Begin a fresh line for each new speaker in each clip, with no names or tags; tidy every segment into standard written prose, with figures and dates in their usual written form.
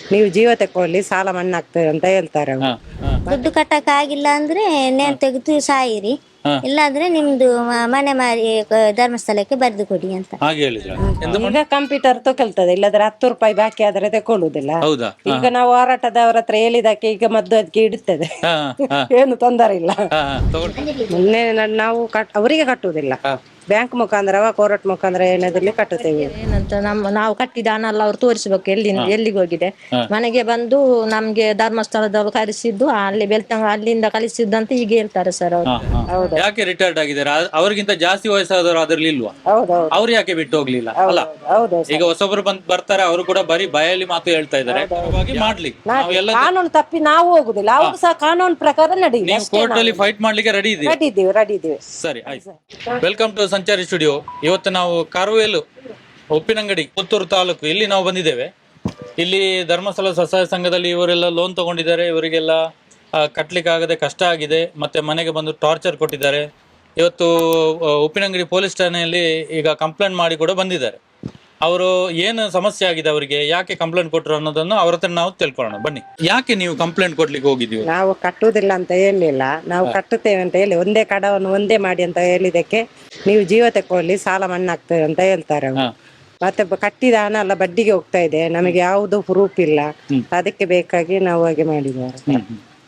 ನೀವು ಜೀವ ತಕೊಳ್ಳಿ ಸಾಲ ಮಣ್ಣಾಗ್ತದೆ ಅಂತ ಹೇಳ್ತಾರೆ ಅವರು.
ದುಡ್ಡು ಕಟ್ಟಕ್ ಆಗಿಲ್ಲ ಅಂದ್ರೆ ನೇಣು ತೆಗೆದು ಸಾಯಿರಿ,
ಹಾ.
ಇಲ್ಲಾಂದ್ರೆ ನಿಮ್ದು ಮನೆ ಮಾರಿ ಧರ್ಮಸ್ಥಳಕ್ಕೆ ಬರೆದು ಕೊಡಿ ಅಂತ.
ಹಾಗೆ ಹೇಳಿದ್ರ
ಈಗ ಕಂಪ್ಯೂಟರ್ ತಗೊಳ್ತದೆ, ಇಲ್ಲದ್ರೆ 10 ರೂಪಾಯಿ ಬಾಕಿ ಆದ್ರೆ ತಕೊಳ್ಳುದಿಲ್ಲ.
ಹೌದಾ?
ಈಗ ನಾವು ಹೋರಾಟದವ್ರ ಹತ್ರ ಹೇಳಿದಕ್ಕೆ ಈಗ ಮದ್ದು ಅದಕ್ಕೆ ಇಡುತ್ತದೆ.
ಹಾ, ಹಾ,
ಏನು ತೊಂದರೆ ಇಲ್ಲ.
ಹಾ, ಹಾ, ತಗೊಳ್ಳಿ.
ಮೊನ್ನೆ ನಾವು ಅವರಿಗೆ ಕಟ್ಟುವುದಿಲ್ಲ, ಬ್ಯಾಂಕ್ ಮುಖಾಂತರ ಕೋರ್ಟ್ ಮುಖಾಂತರ ಏನಾದ್ರಲ್ಲಿ ಕಟ್ಟುತ್ತೇವೆ.
ಏನಂತ ನಾವು ಕಟ್ಟಿದ ಹಣ ಎಲ್ಲ ಅವ್ರು ತೋರಿಸ್ಬೇಕು ಎಲ್ಲಿಗೆ ಹೋಗಿದೆ. ಮನೆಗೆ ಬಂದು ನಮ್ಗೆ ಧರ್ಮಸ್ಥಳದವ್ರು ಕರೆಸಿದ್ದು ಅಲ್ಲಿ ಬೆಳ್ತಂಗ ಅಲ್ಲಿಂದ ಕಳಿಸಿದ್ದು ಈಗ ಹೇಳ್ತಾರೆ ಸರ್ ಅವರು.
ಯಾಕೆ ರಿಟೈರ್ಡ್ ಆಗಿದ್ದಾರೆ? ಅವ್ರಿಗಿಂತ ಜಾಸ್ತಿ ವಯಸ್ಸಾದವರು ಅದ್ರಲ್ಲಿ ಇಲ್ವಾ?
ಹೌದೌದು
ಅವ್ರು ಯಾಕೆ ಬಿಟ್ಟು ಹೋಗ್ಲಿಲ್ಲ ಅಲ್ಲ?
ಹೌದು.
ಈಗ ಹೊಸೊಬ್ರು ಬರ್ತಾರೆ, ಅವರು ಕೂಡ ಬರೀ ಬಾಯಲ್ಲಿ ಮಾತು ಹೇಳ್ತಾ ಇದ್ದಾರೆ. ಮಾಡ್ಲಿಕ್ಕೆ ನಾವೆಲ್ಲ
ಕಾನೂನು ತಪ್ಪಿ ನಾವು ಹೋಗುದಿಲ್ಲ, ಅವರು ಸಹ ಕಾನೂನು ಪ್ರಕಾರ ನಡೆಯಿಲ್ಲ.
ನೀವು ಕೋರ್ಟ್ ಅಲ್ಲಿ ಫೈಟ್ ಮಾಡ್ಲಿಕ್ಕೆ ರೆಡಿ ಇದ್ದೀವಿ.
ರೆಡಿ ಇದ್ದೀವಿ.
ಸರಿ, ಆಯ್ತು. Welcome to Sanchari studio. ಇವತ್ತು ನಾವು ಕಾರವೇಲು ಉಪ್ಪಿನಂಗಡಿ, ಪುತ್ತೂರು ತಾಲೂಕು, ಇಲ್ಲಿ ನಾವು ಬಂದಿದ್ದೇವೆ. ಇಲ್ಲಿ ಧರ್ಮಸ್ಥಳ ಸ್ವಸಹಾಯ ಸಂಘದಲ್ಲಿ ಇವರೆಲ್ಲ ಲೋನ್ ತಗೊಂಡಿದ್ದಾರೆ. ಇವರಿಗೆಲ್ಲ ಕಟ್ಲಿಕ್ಕೆ ಆಗದೆ ಕಷ್ಟ ಆಗಿದೆ, ಮತ್ತೆ ಮನೆಗೆ ಬಂದು ಟಾರ್ಚರ್ ಕೊಟ್ಟಿದ್ದಾರೆ. ಇವತ್ತು ಉಪ್ಪಿನಂಗಡಿ ಪೊಲೀಸ್ ಠಾಣೆಯಲ್ಲಿ ಈಗ ಕಂಪ್ಲೇಂಟ್ ಮಾಡಿ ಕೂಡ ಬಂದಿದ್ದಾರೆ. ಅವರು ಏನು ಸಮಸ್ಯೆ ಆಗಿದೆ, ಅವರಿಗೆ ಯಾಕೆ ಕಂಪ್ಲೇಂಟ್ ಕೊಟ್ಟರು ಅನ್ನೋದನ್ನು ಅವ್ರ ಹತ್ರ ನಾವು ತಿಳ್ಕೊಳ್ಳೋಣ ಬನ್ನಿ. ಯಾಕೆ ನೀವು ಕಂಪ್ಲೇಂಟ್ ಕೊಡ್ಲಿಕ್ಕೆ ಹೋಗಿದ್ದೀವಿ?
ನಾವು ಕಟ್ಟುವುದಿಲ್ಲ ಅಂತ ಹೇಳಿಲ್ಲ, ನಾವು ಕಟ್ಟುತ್ತೇವೆ ಅಂತ ಹೇಳಿ ಒಂದೇ ಕಡವನ್ನು ಒಂದೇ ಮಾಡಿ ಅಂತ ಹೇಳಿದಕ್ಕೆ ನೀವು ಜೀವ ತಕೊಳ್ಳಿ ಸಾಲ ಮಣ್ಣಾಗ್ತದೆ ಅಂತ ಹೇಳ್ತಾರೆ ಅವರು. ಮತ್ತೆ ಕಟ್ಟಿದ ಹಣ ಎಲ್ಲ ಬಡ್ಡಿಗೆ ಹೋಗ್ತಾ ಇದೆ, ನಮಗೆ ಯಾವುದು ಪ್ರೂಫ್ ಇಲ್ಲ, ಅದಕ್ಕೆ ಬೇಕಾಗಿ ನಾವು ಹಾಗೆ ಮಾಡಿದ್ದಾರೆ.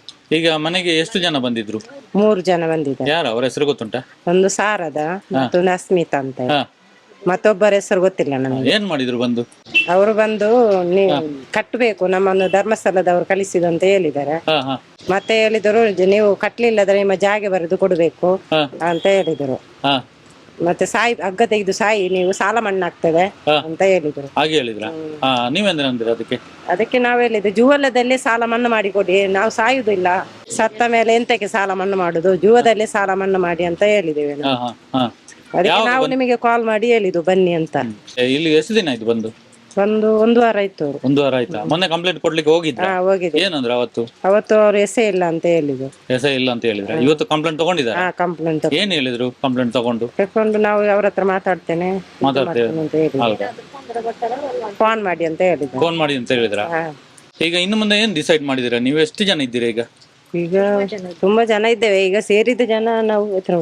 ಈಗ ಮನೆಗೆ ಎಷ್ಟು ಜನ ಬಂದಿದ್ರು?
3 ಜನ ಬಂದಿದ್ದಾರೆ.
ಯಾರು ಅವರ ಹೆಸರು ಗೊತ್ತುಂಟಾ?
ಒಂದು ಶಾರದ ಮತ್ತೊಂದು ಅಸ್ಮಿತಾ ಅಂತ, ಮತ್ತೊಬ್ಬರ ಹೆಸರು ಗೊತ್ತಿಲ್ಲ ನಮಗೆ.
ಏನ್ ಮಾಡಿದ್ರು ಬಂದು?
ಅವರು ಬಂದು ನೀವು ಕಟ್ಟಬೇಕು, ನಮ್ಮನ್ನು ಧರ್ಮಸ್ಥಳದವರು ಕಳಿಸಿದ್ರು ಅಂತ ಹೇಳಿದ್ದಾರೆ. ಮತ್ತೆ ಹೇಳಿದರು ನೀವು ಕಟ್ಲಿಲ್ಲದ್ರೆ ನಿಮ್ಮ ಜಾಗೆ ಬರೆದು ಕೊಡ್ಬೇಕು ಅಂತ ಹೇಳಿದರು. ಮತ್ತೆ ಸಾಯಿ ಹಗ್ಗ ತೆಗೆದು ಸಾಯಿ, ನೀವು ಸಾಲ ಮಣ್ಣಾಗ್ತದೆ ಅಂತ ಹೇಳಿದ್ರು.
ಹಾಗೆ ಹೇಳಿದ್ರ? ನೀವೇಂದ್ರೆ
ಅದಕ್ಕೆ ನಾವು ಹೇಳಿದ್ವಿ ಜೀವನದಲ್ಲಿ ಸಾಲ ಮಣ್ಣು ಮಾಡಿ ಕೊಡಿ, ನಾವು ಸಾಯುದಿಲ್ಲ, ಸತ್ತ ಮೇಲೆ ಎಂತಕ್ಕೆ ಸಾಲ ಮಣ್ಣು ಮಾಡುದು, ಜೀವದಲ್ಲಿ ಸಾಲ ಮಣ್ಣು ಮಾಡಿ ಅಂತ ಹೇಳಿದ್ದೇವೆ. ಅದಕ್ಕೆ ನಾವು ನಿಮಗೆ ಕಾಲ್ ಮಾಡಿ ಹೇಳಿದ್ದು ಬನ್ನಿ ಅಂತ.
ಇಲ್ಲಿ ಎಷ್ಟು ದಿನ ಆಯ್ತು ಬಂದು?
ಒಂದು ವಾರ ಆಯ್ತು.
1 ವಾರ ಆಯ್ತಾ? ಮೊನ್ನೆ ಕಂಪ್ಲೇಂಟ್ ಕೊಡ್ಲಿಕ್ಕೆ ಹೋಗಿದ್ರ?
ಹೋಗಿದ್ದೆ.
ಏನಂದ್ರೆ ಅವತ್ತು
ಅವರು ಎಸೆ ಇಲ್ಲ ಅಂತ ಹೇಳಿದ್ರು.
ಎಸೆ ಇಲ್ಲ ಅಂತ ಹೇಳಿದ್ರೆ ಇವತ್ತು ಕಂಪ್ಲೇಂಟ್ ತಗೊಂಡಿದ್ದಾರೆ?
ಕಂಪ್ಲೇಂಟ್
ಏನ್ ಹೇಳಿದ್ರು? ಕಂಪ್ಲೇಂಟ್ ತಗೊಂಡು
ನಾವು ಅವ್ರ ಹತ್ರ ಮಾತಾಡ್ತೇನೆ ಅಂತ ಹೇಳಿದ್ರು. ಫೋನ್ ಮಾಡಿ ಅಂತ ಹೇಳಿದ್ರು.
ಫೋನ್ ಮಾಡಿ ಅಂತ ಹೇಳಿದ್ರ? ಈಗ ಇನ್ನು ಮುಂದೆ ಏನ್ ಡಿಸೈಡ್ ಮಾಡಿದಿರಾ? ನೀವು ಎಷ್ಟು ಜನ ಇದ್ದೀರಾ ಈಗ?
ಈಗ ತುಂಬಾ ಜನ ಇದ್ದೇವೆ, ಈಗ ಸೇರಿದ ಜನ ನಾವು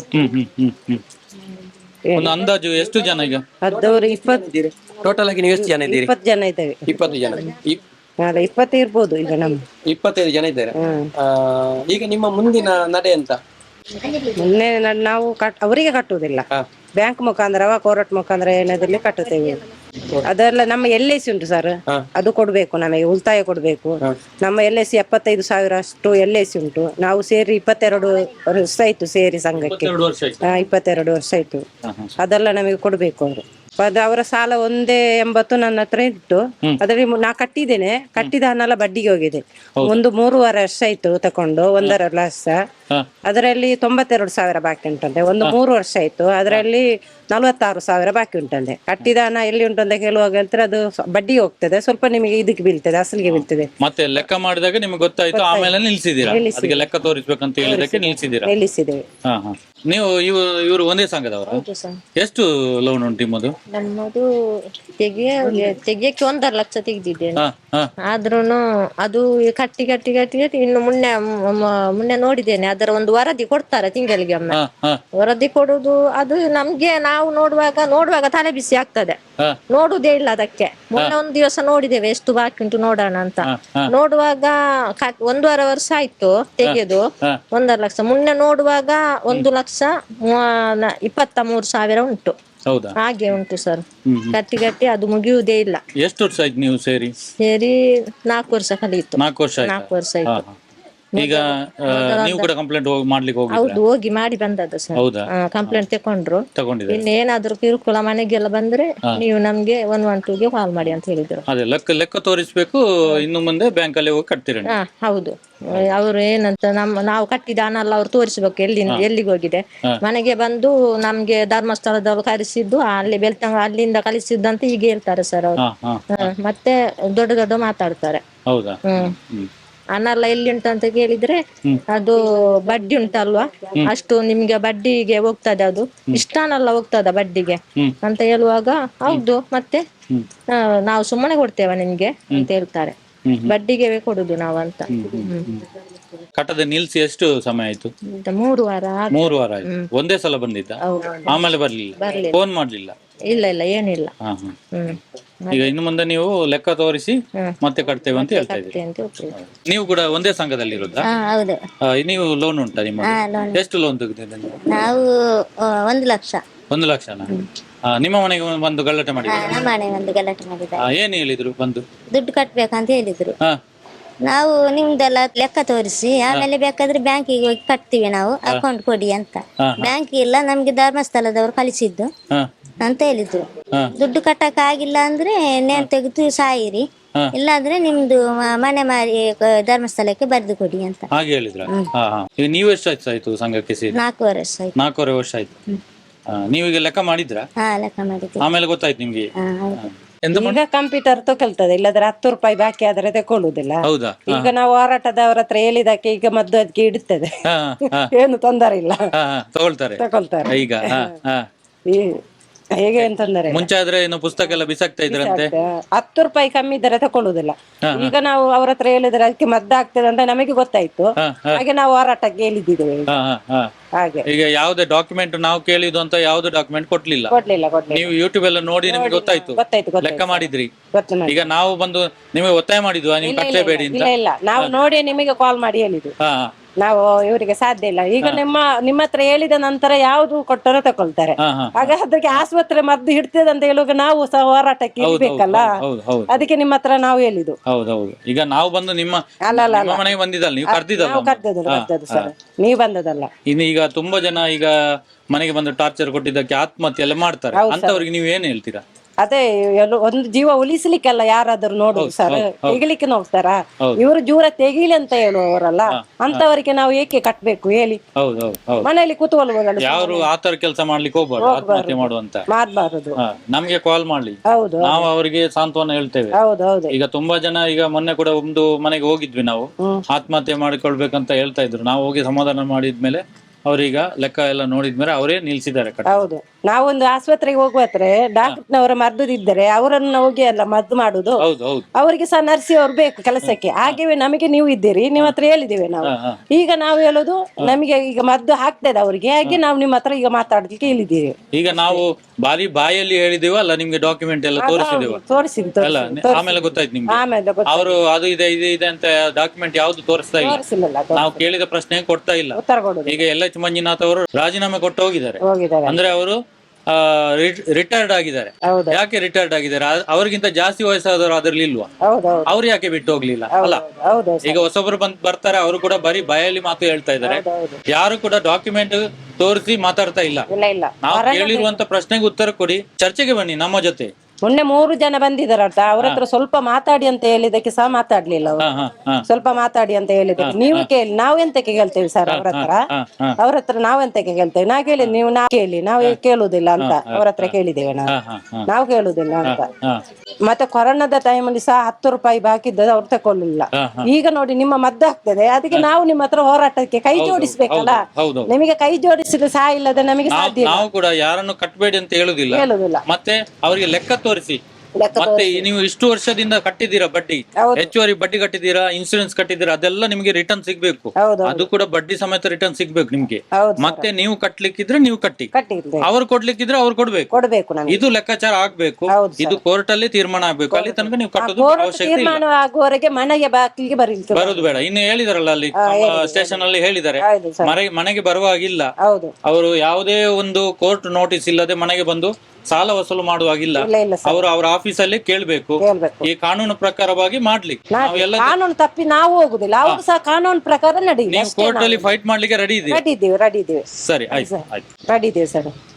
ಒಂದು ಅಂದಾಜು ಎಷ್ಟು ಜನ ಈಗ?
20
ಟೋಟಲ್ ಆಗಿ ನೀವು ಎಷ್ಟು ಜನ ಇದ್ದೀರಿ?
20 ಜನ ಇದ್ದೇವೆ.
20 ಜನ.
20 ಇರ್ಬೋದು ಈಗ ನಮ್ಗೆ.
25 ಜನ ಇದ್ದಾರೆ. ಈಗ ನಿಮ್ಮ ಮುಂದಿನ ನಡೆ ಅಂತ?
ಮೊನ್ನೆ ನಾವು ಅವರಿಗೆ ಕಟ್ಟುವುದಿಲ್ಲ, ಬ್ಯಾಂಕ್ ಮುಖಾಂತರ ಕೋರ್ಟ್ ಮುಖಾಂತರ ಏನಾದ್ರಲ್ಲಿ ಕಟ್ಟುತ್ತೇವೆ. ಅದೆಲ್ಲ ನಮ್ಮ LIC ಉಂಟು ಸರ್, ಅದು ಕೊಡ್ಬೇಕು, ನಮಗೆ ಉಳಿತಾಯ ಕೊಡ್ಬೇಕು. ನಮ್ಮ LIC 75,000 ಅಷ್ಟು LIC ಉಂಟು. ನಾವು ಸೇರಿ 22 ವರ್ಷ ಆಯ್ತು, ಸೇರಿ ಸಂಘಕ್ಕೆ 22 ವರ್ಷ ಆಯ್ತು. ಅದೆಲ್ಲ ನಮಗೆ ಕೊಡ್ಬೇಕು ಅವರು. ಅದು ಅವರ ಸಾಲ 180 ನನ್ನ ಹತ್ರ ಇಟ್ಟು ಅದ್ರಲ್ಲಿ ನಾ ಕಟ್ಟಿದ್ದೇನೆ, ಕಟ್ಟಿದ ಹಣ ಎಲ್ಲ ಬಡ್ಡಿಗೆ ಹೋಗಿದೆ. 3.5 ವರ್ಷ ಆಯ್ತು ತಕೊಂಡು, 1.5 ಲಕ್ಷ. ಅದರಲ್ಲಿ 92,000 ಬಾಕಿ ಉಂಟಂತೆ. 3 ವರ್ಷ ಆಯ್ತು, ಅದರಲ್ಲಿ 46,000 ಬಾಕಿ ಉಂಟಂತೆ. ಕಟ್ಟಿದ ಹಣ ಎಲ್ಲಿ ಉಂಟು ಅಂತ ಕೇಳುವಾಗ ಹೇಳ್ತಾರೆ ಅದು ಬಡ್ಡಿಗೆ ಹೋಗ್ತದೆ, ಸ್ವಲ್ಪ ನಿಮಗೆ ಇದಕ್ಕೆ ಬೀಳ್ತದೆ, ಅಸಲಿಗೆ ಬೀಳ್ತದೆ.
ಮತ್ತೆ ಲೆಕ್ಕ ಮಾಡಿದಾಗ ನಿಮಗೆ ಗೊತ್ತಾಯ್ತು, ಆಮೇಲೆ ನಿಲ್ಸಿದ್ದೀರಾ? ಅದಕ್ಕೆ ಲೆಕ್ಕ ತೋರಿಸ್ಬೇಕಂತ ಹೇಳಿದಕ್ಕೆ ನಿಲ್ಸಿದ್ದೀರಾ?
ನಿಲ್ಲಿಸಿದ್ದೇವೆ.
ನೀವು ಇವರು ಒಂದೇ ಸಂಘದವರು? ಎಷ್ಟು ಲೋನ್ ಉಂಟು ನಿಮ್ಮದು?
ನಮ್ಮದು ತೆಗಿಯಕ್ಕೆ 1.5 ಲಕ್ಷ ತೆಗೆದಿದ್ದೇನೆ. ಆದ್ರೂನು ಅದು ಕಟ್ಟಿ ಕಟ್ಟಿ ಕಟ್ಟಿ ಕಟ್ಟಿ ಇನ್ನು ಮುನ್ನೆ ನೋಡಿದ್ದೇನೆ, ಅದರ ಒಂದು ವರದಿ ಕೊಡ್ತಾರೆ ತಿಂಗಳಿಗೆ ಒಮ್ಮೆ. ವರದಿ ಕೊಡುದು ಅದು ನಮ್ಗೆ ನಾವು ನೋಡುವಾಗ ತಲೆ ಬಿಸಿ ಆಗ್ತದೆ, ನೋಡುದೇ ಇಲ್ಲ ಅದಕ್ಕೆ. ಮೊನ್ನೆ ಒಂದು ದಿವಸ ನೋಡಿದ್ದೇವೆ ಎಷ್ಟು ಬಾಕಿ ಉಂಟು ನೋಡೋಣ ಅಂತ. ನೋಡುವಾಗ 1.5 ವರ್ಷ ಆಯ್ತು ತೆಗೆದು 1.5 ಲಕ್ಷ. ಮುನ್ನೆ ನೋಡುವಾಗ 1,23,000 ಉಂಟು. ಹಾಗೆ ಉಂಟು ಸರ್, ಕಟ್ಟಿ ಕಟ್ಟಿ ಅದು ಮುಗಿಯುವುದೇ ಇಲ್ಲ.
ಎಷ್ಟು ವರ್ಷ ಆಯ್ತು ನೀವು ಸೇರಿ?
4 ವರ್ಷ ಕಲಿಯಿತು.
4 ವರ್ಷ ಆಯ್ತು. ಈಗ ನೀವು ಕೂಡ ಕಂಪ್ಲೇಂಟ್ ಮಾಡ್ಲಿಕ್ಕೆ ಹೋಗಿ?
ಹೌದು, ಹೋಗಿ ಮಾಡಿ ಬಂದದ್ದು ಸರ್. ಕಂಪ್ಲೇಂಟ್ ತಗೊಂಡಿದ್ರು. ಇನ್ನೇನಾದ್ರೂ ಕಿರುಕುಳ ಮನೆಗೆಲ್ಲ ಬಂದ್ರೆ ನೀವು ನಮ್ಗೆ 112ಗೆ ಕಾಲ್ ಮಾಡಿ ಅಂತ ಹೇಳಿದ್ರು.
ಅದೇ ಲೆಕ್ಕ ತೋರಿಸ್ಬೇಕು, ಇನ್ನು ಮುಂದೆ ಬ್ಯಾಂಕ್ ಅಲ್ಲಿ ಹೋಗಿ ಕಟ್ತೀರ?
ಹೌದು. ಅವ್ರು ಏನಂತ ನಾವು ಕಟ್ಟಿದ ಹಣ ಎಲ್ಲ ಅವ್ರು ತೋರಿಸ್ಬೇಕು ಎಲ್ಲಿಗೆ ಹೋಗಿದೆ. ಮನೆಗೆ ಬಂದು ನಮ್ಗೆ ಧರ್ಮಸ್ಥಳದವ್ರು ಕರೆಸಿದ್ದು ಅಲ್ಲಿ ಬೆಳ್ತಂಗ ಅಲ್ಲಿಂದ ಕಳಿಸಿದ್ದು ಅಂತ ಈಗ ಹೇಳ್ತಾರೆ ಸರ್ ಅವರು. ಮತ್ತೆ ದೊಡ್ಡ ಮಾತಾಡ್ತಾರೆ. ಹಣ ಎಲ್ಲ ಎಲ್ಲಿ ಉಂಟು ಅಂತ ಕೇಳಿದ್ರೆ ಅದು ಬಡ್ಡಿ ಉಂಟಲ್ವಾ, ಅಷ್ಟು ನಿಮ್ಗೆ ಬಡ್ಡಿಗೆ ಹೋಗ್ತದೆ, ಅದು ಇಷ್ಟನೆಲ್ಲ ಹೋಗ್ತದ ಬಡ್ಡಿಗೆ ಅಂತ ಹೇಳುವಾಗ ಹೌದು ಮತ್ತೆ ನಾವು ಸುಮ್ಮನೆ ಕೊಡ್ತೇವೆ ನಿಮ್ಗೆ ಅಂತ ಹೇಳ್ತಾರೆ. ಬಡ್ಡಿಗೆ ಕೊಡುದು ನಾವಂತ.
ಕಟ್ಟದೆ ನಿಲ್ಸಿ ಎಷ್ಟು ಸಮಯ ಆಯ್ತು?
3 ವಾರ
3 ವಾರ ಆಯ್ತು. ಒಂದೇ ಸಲ ಬಂದಿದ್ದ? ಆಮೇಲೆ ಬರ್ಲಿಲ್ಲ? ಫೋನ್ ಮಾಡ್ಲಿಲ್ಲ?
ಇಲ್ಲ ಏನಿಲ್ಲ.
ಹಾ ಹಾ. ಈಗ ಇನ್ನು ಮುಂದೆ ನೀವು ಲೆಕ್ಕ ತೋರಿಸಿ ಮತ್ತೆ ಕಟ್ತೇವೆ ಅಂತ ಹೇಳ್ತಾ ಇದ್ದೀರಿ. ನೀವು ಕೂಡ ಒಂದೇ ಸಂಘದಲ್ಲಿ ಇರೋದಾ?
ಹೌದು.
ನೀವು ಲೋನ್ ಉಂಟಾ ನಿಮ್ಮ? ಎಷ್ಟು ಲೋನ್ ತೆಗೆದಿದ್ದೀರಿ ನೀವು?
ನಾವು 1 ಲಕ್ಷ.
1 ಲಕ್ಷನಾ? ನಿಮ್ಮ ಮನೆಗೆ ಬಂದು ಗಲಾಟೆ ಮಾಡಿದ್ರು?
ನಮ್ಮ ಮನೆ ಒಂದು ಗಲಾಟೆ ಮಾಡಿದ್ದಾರೆ.
ಏನ್ ಹೇಳಿದ್ರು ಬಂದು?
ದುಡ್ಡು ಕಟ್ಬೇಕಂತ ಹೇಳಿದ್ರು.
ಹಾ
ನಾವು ನಿಮ್ದೆಲ್ಲ ಲೆಕ್ಕ ತೋರಿಸಿ ಆಮೇಲೆ ಬೇಕಾದ್ರೆ ಬ್ಯಾಂಕಿಗೆ ಹೋಗಿ ಕಟ್ತೀವಿ ನಾವು, ಅಕೌಂಟ್ ಕೊಡಿ ಅಂತ. ಬ್ಯಾಂಕ್ ಇಲ್ಲ, ನಮ್ಗೆ ಧರ್ಮಸ್ಥಳದವರು ಕಳಿಸಿದ್ದು
ಹಾ
ಅಂತ ಹೇಳಿದ್ರು. ದುಡ್ಡು ಕಟ್ಟಕ್ ಆಗಿಲ್ಲ ಅಂದ್ರೆ ನೇಣು ತೆಗೆದು ಸಾಯಿರಿ, ಇಲ್ಲಾಂದ್ರೆ ನಿಮ್ದು ಮನೆ ಮಾರಿ ಧರ್ಮಸ್ಥಳಕ್ಕೆ ಬರೆದು ಕೊಡಿ ಅಂತ
ಹಾಗೆ ಹೇಳಿದ್ರ? ಈಗ ನೀವು ಎಷ್ಟು ಆಯ್ತು ಸಂಘಕ್ಕೆ ಸೇರಿ?
4 ವರ್ಷ ಆಯ್ತು.
4.5 ವರ್ಷ ಆಯ್ತು. ನೀವೀಗ ಲೆಕ್ಕ ಮಾಡಿದ್ರ?
ಲೆಕ್ಕ ಮಾಡಿದ್ವಿ.
ಆಮೇಲೆ ಗೊತ್ತಾಯ್ತು ನಿಮ್ಗೆ? ಎಂತ
ಈಗ ಕಂಪ್ಯೂಟರ್ ತಗೊಳ್ತದೆ, ಇಲ್ಲದ್ರೆ 10 ರೂಪಾಯಿ ಬಾಕಿ ಆದ್ರೆ ತಕೊಳ್ಳುದಿಲ್ಲ.
ಹೌದಾ?
ಈಗ ನಾವು ಹೋರಾಟದವ್ರ ಹತ್ರ ಹೇಳಿದಕ್ಕೆ ಈಗ ಮದ್ದು ಅದಕ್ಕೆ ಇಡುತ್ತದೆ, ಏನು ತೊಂದರೆ ಇಲ್ಲ,
ತಗೊಳ್ತಾರೆ
ತಗೊಳ್ತಾರೆ.
ಈಗ
ಹೇಗೆ ಅಂತಂದರೆ
ಮುಂಚೆ ಆದ್ರೆ ಏನು ಪುಸ್ತಕ ಎಲ್ಲ ಬಿಸಾಕ್ತಾ ಇದ್ರಂತೆ?
10 ರೂಪಾಯಿ ಕಮ್ಮಿ ಇದ್ದರೆ ತಕೊಳ್ಳುದಿಲ್ಲ. ಈಗ ನಾವು ಅವ್ರ ಹತ್ರ ಹೇಳಿದ್ರೆ ಅದಕ್ಕೆ ಮದ್ದು ಆಗ್ತದೆ ಅಂತ ನಮಗೆ ಗೊತ್ತಾಯ್ತು, ಹಾಗೆ ನಾವು ಹೋರಾಟಕ್ಕೆ ಹೇಳಿದ್ದೇವೆ. ಹಾಗೆ
ಈಗ ಯಾವ್ದೇ ಡಾಕ್ಯುಮೆಂಟ್ ನಾವು ಕೇಳಿದ್ದು ಅಂತ ಯಾವ್ದು ಡಾಕ್ಯುಮೆಂಟ್ ಕೊಡ್ಲಿಲ್ಲ?
ಕೊಡ್ಲಿಲ್ಲ.
ನೀವು ಯೂಟ್ಯೂಬ್ ಎಲ್ಲ ನೋಡಿ ನಿಮ್ಗೆ ಗೊತ್ತಾಯ್ತು, ಲೆಕ್ಕ ಮಾಡಿದ್ರಿ. ಈಗ ನಾವು ಬಂದು ನಿಮಗೆ ಒತ್ತಾಯ ಮಾಡಿದ್ವಾ ನೀವು ಕಟ್ಟಲೇಬೇಡಿ ಅಂತ?
ಇಲ್ಲ, ನಾವು ನೋಡಿ ನಿಮಗೆ ಕಾಲ್ ಮಾಡಿ ಹೇಳಿದ್ವಿ. ನಾವು ಇವರಿಗೆ ಸಾಧ್ಯ ಇಲ್ಲ. ಈಗ ನಿಮ್ಮ ಹತ್ರ ಹೇಳಿದ ನಂತರ ಯಾವ್ದು ಕೊಟ್ಟರು ತಕೊಳ್ತಾರೆ. ಆಗ ಅದಕ್ಕೆ ಆಸ್ಪತ್ರೆ ಮದ್ದು ಹಿಡ್ತದೆ ಅಂತ ಹೇಳುವಾಗ ನಾವು ಸಹ ಹೋರಾಟಕ್ಕೆ ಇರ್ಬೇಕಲ್ಲ, ಅದಕ್ಕೆ ನಿಮ್ಮ ಹತ್ರ ನಾವು ಹೇಳಿದ್ದು.
ಹೌದೌದು. ಈಗ ನಾವು ಬಂದು ನಿಮ್ಮ ಮನೆಗೆ ಬಂದಿದ್ದಲ್ಲ, ನೀವು
ಕರ್ದದ್ದು ಸರ್, ನೀವು ಬಂದದಲ್ಲ.
ಇನ್ನು ಈಗ ತುಂಬಾ ಜನ ಈಗ ಮನೆಗೆ ಬಂದು ಟಾರ್ಚರ್ ಕೊಟ್ಟಿದ್ದಕ್ಕೆ ಆತ್ಮಹತ್ಯೆ ಎಲ್ಲ ಮಾಡ್ತಾರೆ, ಅಂತವ್ರಿಗೆ ನೀವು ಏನ್ ಹೇಳ್ತೀರಾ?
ಅದೇ ಒಂದು ಜೀವ ಉಳಿಸ್ಲಿಕ್ಕೆಲ್ಲ ಯಾರಾದ್ರೂ ನೋಡುದು ಸರ್, ತೆಗಿಲಿಕ್ಕೆ ನೋಡ್ತಾರ? ಇವರು ಜೂರ ತೆಗೀಲಿ ಅಂತ ಹೇಳುವವರಲ್ಲ, ಅಂತವರಿಗೆ ನಾವು ಏಕೆ ಕಟ್ಬೇಕು ಹೇಳಿ? ಮನೆಯಲ್ಲಿ ಕೂತ್ಕೊಳ್ಬೋದಲ್ಲ.
ಯಾರು ಆತರ ಕೆಲಸ ಮಾಡ್ಲಿಕ್ಕೆ ಹೋಗ್ಬಾರ್ದು, ಆತ್ಮಹತ್ಯೆ ಮಾಡುವಂತ
ಮಾಡ್ಬಾರದು.
ನಮ್ಗೆ ಕಾಲ್ ಮಾಡ್ಲಿ,
ಹೌದು,
ನಾವು ಅವರಿಗೆ ಸಾಂತ್ವನ ಹೇಳ್ತೇವೆ.
ಹೌದೌದು.
ಈಗ ತುಂಬಾ ಜನ ಈಗ ಮೊನ್ನೆ ಕೂಡ ಒಂದು ಮನೆಗೆ ಹೋಗಿದ್ವಿ ನಾವು, ಆತ್ಮಹತ್ಯೆ ಮಾಡಿಕೊಳ್ಬೇಕಂತ ಹೇಳ್ತಾ ಇದ್ರು. ನಾವು ಹೋಗಿ ಸಮಾಧಾನ ಮಾಡಿದ್ಮೇಲೆ ಅವ್ರೀಗ ಲೆಕ್ಕ ಎಲ್ಲ ನೋಡಿದ್ಮೇಲೆ ಅವರೇ ನಿಲ್ಸಿದ್ದಾರೆ.
ಹೌದು, ನಾವೊಂದು ಆಸ್ಪತ್ರೆಗೆ ಹೋಗುವತ್ರೆ ಡಾಕ್ಟರ್ನವರ ಮರ್ದುದಿದ್ದರೆ ಅವರನ್ನ ಹೋಗಿ ಅಲ್ಲ ಮದ್ದು ಮಾಡುದು. ಅವರಿಗೆ ಸಹ ನರ್ಸಿ ಅವ್ರು ಬೇಕು ಕೆಲಸಕ್ಕೆ. ಹಾಗೆವೇ ನಮಗೆ ನೀವು ಇದ್ದೀರಿ, ನಿಮ್ಮ ಹತ್ರ ಹೇಳಿದ್ದೇವೆ ನಾವು. ಈಗ ನಾವು ಹೇಳುದು ನಮಗೆ ಈಗ ಮದ್ದು ಹಾಕ್ತದೆ ಅವರಿಗೆ, ಹಾಗೆ ನಾವು ನಿಮ್ಮ ಹತ್ರ ಈಗ ಮಾತಾಡ್ಲಿಕ್ಕೆ ಹೇಳಿದ್ದೀವಿ.
ಈಗ ನಾವು ಬಾಯಲ್ಲಿ ಹೇಳಿದೇವ ಅಲ್ಲ, ನಿಮ್ಗೆ ಡಾಕ್ಯುಮೆಂಟ್ ಎಲ್ಲ ತೋರಿಸಿದ್ದು ಅಲ್ಲ, ಆಮೇಲೆ ಗೊತ್ತಾಯ್ತು ನಿಮ್ಗೆ. ಅವರು ಅದು ಇದೆ ಅಂತ ಡಾಕ್ಯುಮೆಂಟ್ ಯಾವ್ದು ತೋರಿಸ್ತಾ ಇಲ್ಲ, ನಾವು ಕೇಳಿದ ಪ್ರಶ್ನೆ ಕೊಡ್ತಾ ಇಲ್ಲ. ಈಗ LH ಮಂಜುನಾಥ್ ಅವರು ರಾಜೀನಾಮೆ ಕೊಟ್ಟು ಹೋಗಿದ್ದಾರೆ. ಅಂದ್ರೆ ಅವರು ರಿಟೈರ್ಡ್ ಆಗಿದ್ದಾರೆ. ಯಾಕೆ ರಿಟೈರ್ಡ್ ಆಗಿದ್ದಾರೆ? ಅವ್ರಿಗಿಂತ ಜಾಸ್ತಿ ವಯಸ್ಸಾದವರು ಅದ್ರಲ್ಲಿ ಇಲ್ವಾ? ಅವ್ರು ಯಾಕೆ ಬಿಟ್ಟು ಹೋಗ್ಲಿಲ್ಲ ಅಲ್ಲ? ಈಗ ಹೊಸೊಬ್ರು ಬರ್ತಾರೆ, ಅವರು ಕೂಡ ಬರೀ ಬಾಯಲ್ಲಿ ಮಾತು ಹೇಳ್ತಾ ಇದ್ದಾರೆ, ಯಾರು ಕೂಡ ಡಾಕ್ಯುಮೆಂಟ್ ತೋರಿಸಿ ಮಾತಾಡ್ತಾ ಇಲ್ಲ. ನಾವು ಕೇಳಿರುವಂತ ಪ್ರಶ್ನೆಗೆ ಉತ್ತರ ಕೊಡಿ, ಚರ್ಚೆಗೆ ಬನ್ನಿ ನಮ್ಮ ಜೊತೆ.
ಮೊನ್ನೆ 3 ಜನ ಬಂದಿದ್ದಾರಂತ, ಅವ್ರ ಹತ್ರ ಸ್ವಲ್ಪ ಮಾತಾಡಿ ಅಂತ ಹೇಳಿದಕ್ಕೆ ಸಹ ಮಾತಾಡ್ಲಿಲ್ಲ ಅವರು. ಸ್ವಲ್ಪ ಮಾತಾಡಿ ಅಂತ ಹೇಳಿದಕ್ಕೆ ನೀವು ಕೇಳಿ, ನಾವು ಎಂತಕ್ಕೆ ಕೇಳ್ತೇವೆ ಸರ್ ಅವ್ರ ಹತ್ರ ನಾವ್ ಎಂತಕ್ಕೆ ಕೇಳ್ತೇವೆ? ನಾ ಕೇಳಿ, ನೀವು ನಾ ಕೇಳಿ, ನಾವು ಕೇಳುದಿಲ್ಲ ಅಂತ ಅವ್ರ ಹತ್ರ ಕೇಳಿದ್ದೇವೆ ನಾವು ಕೇಳುದಿಲ್ಲ ಅಂತ. ಮತ್ತೆ ಕೊರೋನಾದ ಟೈಮಲ್ಲಿ ಸಹ 10 ರೂಪಾಯಿ ಬಾಕಿ ಇದ್ದದ್ದು ಅವ್ರು ತಕೊಳ್ಳಿಲ್ಲ. ಈಗ ನೋಡಿ ನಿಮ್ಮ ಮದ್ದು ಆಗ್ತದೆ, ಅದಕ್ಕೆ ನಾವು ನಿಮ್ಮ ಹತ್ರ ಹೋರಾಟಕ್ಕೆ ಕೈ ಜೋಡಿಸ್ಬೇಕಲ್ಲ. ನಿಮಗೆ ಕೈ ಜೋಡಿಸಿದ್ರೆ ಸಹ ಇಲ್ಲದೆ ನಮಗೆ ಸಾಧ್ಯ.
ನಾವು ಕೂಡ ಯಾರನ್ನು ಕಟ್ಟಬೇಡಿ ಅಂತ ಹೇಳುದಿಲ್ಲ, ಮತ್ತೆ ಅವರಿಗೆ ಲೆಕ್ಕ ತೋರಿಸಿ. ಮತ್ತೆ ನೀವು ಇಷ್ಟು ವರ್ಷದಿಂದ ಕಟ್ಟಿದ್ದೀರಾ ಬಡ್ಡಿ, ಹೆಚ್ಚುವರಿ ಬಡ್ಡಿ ಕಟ್ಟಿದ್ದೀರಾ, ಇನ್ಸೂರೆನ್ಸ್ ಕಟ್ಟಿದ್ದೀರಾ, ಅದೆಲ್ಲ ನಿಮಗೆ ರಿಟರ್ನ್ ಸಿಗ್ಬೇಕು. ಅದು ಕೂಡ ಬಡ್ಡಿ ಸಮೇತ ರಿಟರ್ನ್ ಸಿಗ್ಬೇಕು ನಿಮ್ಗೆ. ಮತ್ತೆ ನೀವು ಕಟ್ಲಿಕ್ಕಿದ್ರೆ ನೀವು ಕಟ್ಟಿ, ಅವ್ರು ಕೊಡ್ಲಿಕ್ಕಿದ್ರೆ ಅವ್ರು ಕೊಡ್ಬೇಕು. ಇದು ಲೆಕ್ಕಾಚಾರ ಆಗ್ಬೇಕು, ಇದು ಕೋರ್ಟ್ ಅಲ್ಲಿ ತೀರ್ಮಾನ ಆಗ್ಬೇಕು. ಅಲ್ಲಿ ತನಕ ನೀವು ಕಟ್ಟೋದು
ಅವಶ್ಯಕತೆ ಮನೆಗೆ
ಬರೋದು ಬೇಡ. ಇನ್ನು ಹೇಳಿದಾರಲ್ಲ ಅಲ್ಲಿ ಸ್ಟೇಷನ್ ಅಲ್ಲಿ ಹೇಳಿದ್ದಾರೆ, ಮನೆಗೆ ಬರುವಾಗಿಲ್ಲ. ಅವರು ಯಾವುದೇ ಒಂದು ಕೋರ್ಟ್ ನೋಟಿಸ್ ಇಲ್ಲದೆ ಮನೆಗೆ ಬಂದು ಸಾಲ ವಸೂಲು ಮಾಡುವಾಗಿಲ್ಲ. ಅವರು ಅವರ ಆಫೀಸಲ್ಲಿ ಕೇಳ್ಬೇಕು, ಈ ಕಾನೂನು ಪ್ರಕಾರವಾಗಿ ಮಾಡ್ಲಿ.
ಕಾನೂನು ತಪ್ಪಿ ನಾವು ಹೋಗುದಿಲ್ಲ, ಅವರು ಸಹ ಕಾನೂನು ಪ್ರಕಾರ ನಡೆಯುತ್ತೆ.
ಕೋರ್ಟ್ ಅಲ್ಲಿ ಫೈಟ್ ಮಾಡ್ಲಿಕ್ಕೆ ರೆಡಿ ಇದ್ದೀವಿ.
ರೆಡಿ ಇದ್ದೀವಿ.
ಸರಿ, ಆಯ್ತು,
ರೆಡಿ ಇದ್ದೀವಿ ಸರ್.